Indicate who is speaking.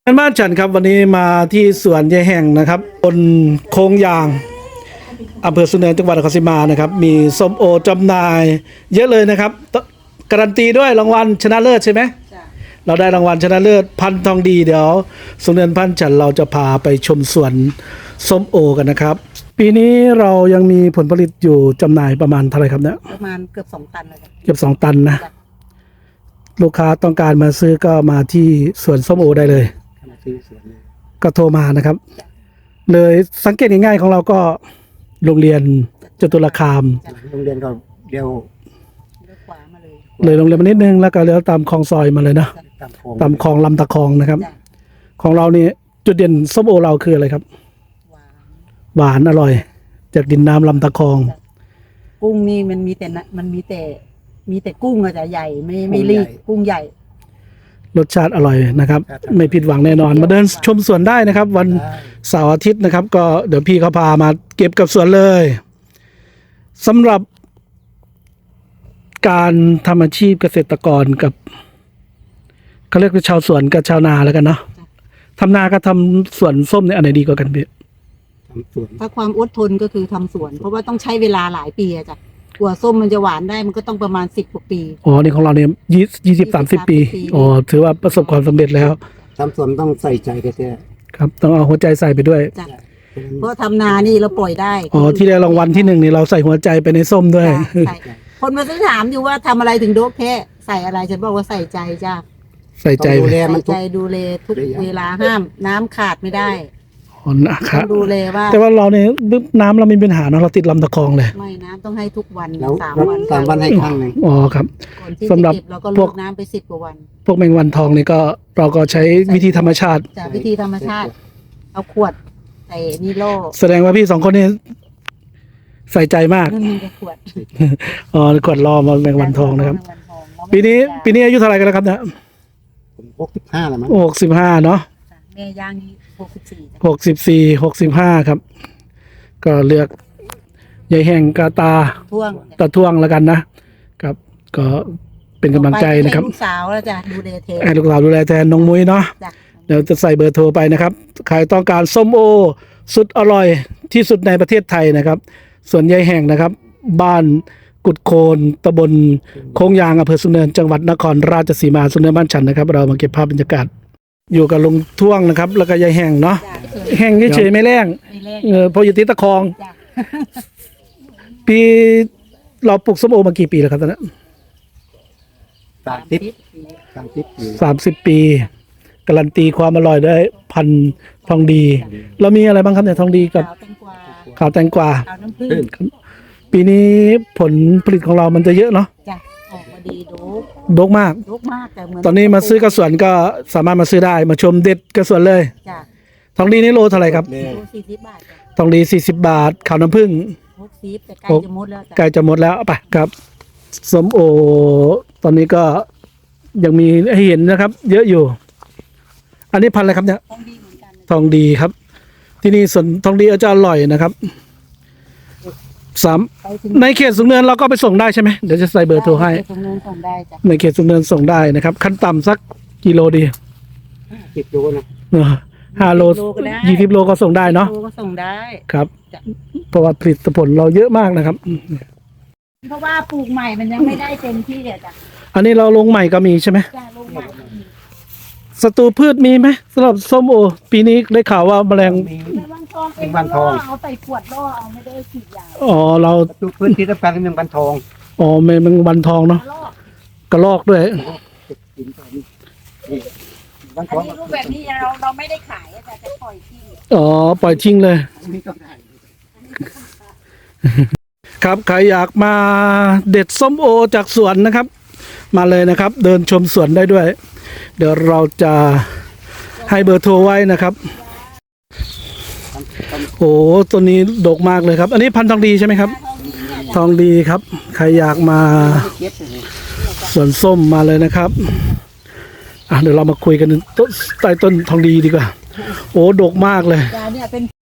Speaker 1: บ้านฉันครับวันนี้มาที่สวนยายแห่งนะครับบนโค้งยางอำเภอสุนเนินจังหวัดนครราชสีมานะครับมีส้มโอจำหน่ายเยอะเลยนะครับการันตีด้วยรางวัลชนะเลิศใช่ไหมเราได้รางวัลชนะเลิศพันธุ์ทองดีเดี๋ยวสุนเนินพันธุ์ฉันเราจะพาไปชมสวนส้มโอกันนะครับปีนี้เรายังมีผลผลิตอยู่จำหน่ายประมาณเท่าไหร่ครับเนี่ย
Speaker 2: ประมาณเกือบ2 ตันเลย
Speaker 1: เกือบ2 ตันนะลูกค้าต้องการมาซื้อก็มาที่สวนส้มโอได้เลยก็โทรมานะครับเลยสังเกตง่ายๆของเราก็โรงเรียนจตุรคาม
Speaker 3: โรงเรียนก็เดียว
Speaker 2: ขวามา
Speaker 1: เลยโรงเรียนมานิดนึงแล้วก็เลี้ยวตามคลองซอยมาเลยเนาะตามคลองลำตะคองนะครับของเรานี่จุดเด่นส้มโอเราคืออะไรครับหวานอร่อยจากดินน้ำลำตะคอง
Speaker 2: กุ้งนี่มันมีแต่กุ้งอะจะใหญ่ไม่รีบกุ้งใหญ่
Speaker 1: รสชาติอร่อยนะครับไม่ผิดหวังแน่นอนมาเดินชมสวนได้นะครับวันเสาร์อาทิตย์นะครับก็เดี๋ยวพี่เขาพามาเก็บกับสวนเลยสำหรับการทำอาชีพเกษตรกรกับเขาเรียกว่าชาวสวนกับชาวนาแล้วกันเนาะทำนากับทำสวนส้มเนี่ยอันไหนดีกว่ากันพี่
Speaker 2: ถ้าความอดทนก็คือทำสวนเพราะว่าต้องใช้เวลาหลายปีอะจ้ะกว่าส้มมันจะหวานได้มันก็ต้องประมาณ10 กว่าปี
Speaker 1: อ๋อนี่ของเราเนี่ย20-30 ปีอ๋อถือว่าประสบความสำเร็จแล้ว
Speaker 3: ทำสวนต้องใส่ใจแท้
Speaker 1: ครับต้องเอาหัวใจใส่ไปด้วย
Speaker 2: เพราะทำนานี่เราปล่อยได้
Speaker 1: อ๋อที่ได้รางวัลที่1นี่เราใส่หัวใจไปในส้มด้วย
Speaker 2: คนมาซื้อถามอยู่ว่าทำอะไรถึงโดกแค่ใส่อะไรฉันบอกว่าใส่ใจจ้ะ
Speaker 1: ใส่ใจ
Speaker 3: ดูแลมัน
Speaker 2: ใจดูแลทุกเวลาห้ามน้ำขาดไม่ได้
Speaker 1: นะครับ
Speaker 2: ดูแลว่า
Speaker 1: แต่ว่าเราเนี่ยน้ำเรามีปัญหาเนาะเราติดลำตะคองเลย
Speaker 2: ไม่น้ำต้องให้ทุกวัน
Speaker 3: 3 วันให้ครั้งนึง
Speaker 1: อ๋อครับ
Speaker 2: สำหรับเราก็ลดน้ำไป10 กว่าวัน
Speaker 1: พวกแมงวันทองนี่ก็เราก็ใช้วิธีธรรมชาติ
Speaker 2: จากวิธีธรรมชาติเอาขวดใส่นิโล
Speaker 1: แสดงว่าพี่2 คนนี้ใส่ใจมาก
Speaker 2: ขวด
Speaker 1: อ๋อขวดรอมาแมงวันทองนะครับปีนี้อายุเท่าไหร่กันแล้วครับเนี่ย
Speaker 3: 65แล้วมั้ง
Speaker 1: 65เนาะ
Speaker 2: แม่ย่างนี้
Speaker 1: 64 65ครับก็เลือกยายแห่งกาตาท่วงแล้วกันนะครับก็เป็นกำลังใจนะครับ
Speaker 2: ลูกสาวแล้วจ้ะดูแลแทน
Speaker 1: ลูกสาวดูแลแทนน้องมุ้ยเนาะเดี๋ยวจะใส่เบอร์โทรไปนะครับใครต้องการส้มโอสุดอร่อยที่สุดในประเทศไทยนะครับส่วนยายแห่งนะครับบ้านกุดโคนตำบลโค้งยางอำเภอสุนเนินจังหวัดนครราชสีมาสุนเนินบ้านฉันนะครับเรามาเก็บภาพบรรยากาศอยู่กับลุงท่วงนะครับแล้วก็ยายแห่งเนาะแห่งเฉยๆไม่แรงพออยู่ติดตะคองปีเราปลูกส้มโอมากี่ปีแล้วครับตอนนั้น30 ปีการันตีความอร่อยได้พันทองดีเรามีอะไรบ้างครับเนี่ยทองดีกับขาวแตงกวาปีนี้ผลผลิตของเรามันจะเยอะเนาะ
Speaker 2: ออกมาดี
Speaker 1: ดกมาก
Speaker 2: แต่
Speaker 1: ตอนนี้มาซื้อกระสวนก็สามารถมาซื้อได้มาชมเด็ดกระสวนเลยทองดีนี่โลเท่าไหร่ครับ
Speaker 2: 40 บาท
Speaker 1: ทองดี40 บาทขาวน้ำผึ้ง
Speaker 2: 60แต่ใกล้จะหมดแล้ว
Speaker 1: ใกล้จะหมดแล้วไปครับส้มโอตอนนี้ก็ยังมีให้เห็นนะครับเยอะอยู่อันนี้พันอะไรครับเนี่ยทองดีครับที่นี่ส่วนทองดีอาจจะอร่อยนะครับในเขตสูงเนินเราก็ไปส่งได้ใช่ไหมเดี๋ยวจะใส่เบอร์โทรให้ในเขตสูงเนินส่งได้นะครับขั้นต่ำสักกิโลดี
Speaker 3: 10 โลนะ
Speaker 1: 5 โล 20 โลก็ส่งได้เนาะ
Speaker 2: ก็ส่งได้
Speaker 1: ครับเพราะว่าผลิตผลเราเยอะมากนะครับ
Speaker 2: เพราะว่าปลูกใหม่มันยังไม่ได้เต็มที่เลยจ้ะ
Speaker 1: อันนี้เราลงใหม่ก็มีใช่ไหมศัตรูพืชมีไหมสำหรับส้มโอปีนี้ได้ข่าวว่าแมลง
Speaker 3: วันทอง
Speaker 2: เอาใส่ขวดล่อเอาไม่ได้ฉีดยา
Speaker 1: อ๋อเรา
Speaker 3: พื้นที่ต้องการเป็นวันทอง
Speaker 1: อ๋อแมงวันทองเนาะกระรอกด้วย
Speaker 2: อันนี้รูปแบบนี้เราไม่ได้ขายแต่จะปล่อยทิ้ง
Speaker 1: อ๋อปล่อยทิ้งเลยครับใครอยากมาเด็ดส้มโอจากสวนนะครับมาเลยนะครับเดินชมสวนได้ด้วยเดี๋ยวเราจะให้เบอร์โทรไว้นะครับโอ้ตัวนี้ดกมากเลยครับอันนี้พันธุ์ทองดีใช่ไหมครับทองดีครับใครอยากมาสวนส้มมาเลยนะครับเดี๋ยวเรามาคุยกันใต้ต้นทองดีดีกว่าโอ้ดกมากเลย